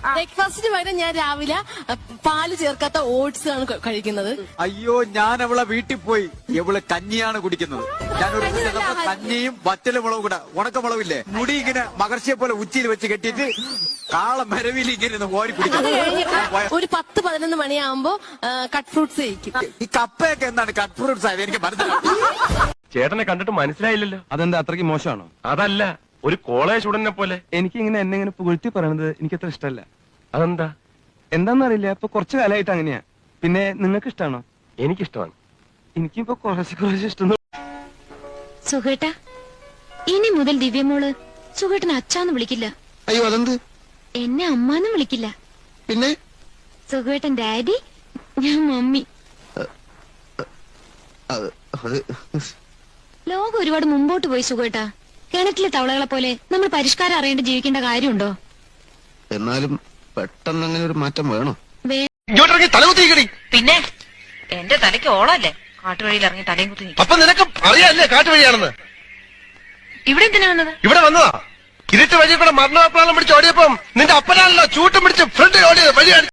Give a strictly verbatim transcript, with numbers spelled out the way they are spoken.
ബ്രേക്ക്ഫാസ്റ്റിന് പകരം ഞാൻ രാവിലെ പാല് ചേർക്കാത്ത ഓട്സ് ആണ് കഴിക്കുന്നത്. അയ്യോ, ഞാൻ അവളെ വീട്ടിൽ പോയി ഇവള് കഞ്ഞിയാണ് കുടിക്കുന്നത്. ഞാനൊരു കഞ്ഞിയും വറ്റല മുളകും കൂടെ, ഉണക്കമുളകില്ലേ, മുടി ഇങ്ങനെ മകർച്ചയെ പോലെ ഉച്ചിയിൽ വെച്ച് കെട്ടിയിട്ട് കാള മരവിൽ ഇങ്ങനെ ഓടി കുടിക്കുന്നത്. ഒരു പത്ത് പതിനൊന്ന് മണിയാകുമ്പോ കട്ട് ഫ്രൂട്ട്സ് കഴിക്കും. ഈ കപ്പയൊക്കെ എന്താണ് കട്ട് ഫ്രൂട്ട്സ് ആയത് എനിക്ക് മനസ്സിലായി. ചേട്ടനെ കണ്ടിട്ട് മനസ്സിലായില്ലല്ലോ. അതെന്താ അത്രയ്ക്ക് മോശമാണോ? അതല്ല, ഒരു കോളേജ് സ്റ്റുഡന്റിനെ പോലെ. എനിക്ക് ഇങ്ങനെ എന്നെ ഇങ്ങനെ പുകഴ്ത്തി പറയണത് എനിക്ക് അത്ര ഇഷ്ടമല്ല. അതെന്താ? എന്താന്നറിയില്ല, ഇപ്പൊ കുറച്ചു കാലമായിട്ട് അങ്ങനെയാ. പിന്നെ നിങ്ങൾക്ക് ഇഷ്ടമാണോ? എനിക്കിഷ്ടമാണ്. എനിക്കിപ്പോ കുറച്ച് കുറച്ച് ഇഷ്ടം. സുഖേട്ട, ഇനി മുതൽ ദിവ്യമോള് സുഖേട്ടനെ അച്ഛാന്ന് വിളിക്കില്ല. അയ്യോ, അതെന്ത്? എന്നെ അമ്മാന്നും വിളിക്കില്ല. പിന്നെ സുഖേട്ടൻ ഡാഡി, ഞാൻ മമ്മി. ലോകം ഒരുപാട് മുമ്പോട്ട് പോയി സുഖേട്ടാ. കിണറ്റിലെ തവളകളെ പോലെ നമ്മൾ പരിഷ്കാരം അറിയേണ്ട ജീവിക്കേണ്ട കാര്യമുണ്ടോ? എന്നാലും പെട്ടെന്ന് അങ്ങനെ ഒരു മാറ്റം വേണോ? പിന്നെ എന്റെ തലയ്ക്ക് ഓളല്ലേ കാട്ടുവഴിയിൽ ഇറങ്ങി തലയും കുത്തി. അപ്പൊ നിനക്ക് അറിയാല്ലേ കാട്ടുവഴിയാണെന്ന്? ഇവിടെ എന്തിനാ വന്നത്? ഇവിടെ വന്നതാ. ഇരുട്ട് വഴി കൂടെ മരണപ്രാളം പിടിച്ച് ഓടിയപ്പം നിന്റെ അപ്പനാണല്ലോ ചൂട്ടും പിടിച്ച് ഫ്രണ്ട് ഓടിയത് വഴിയാണ്.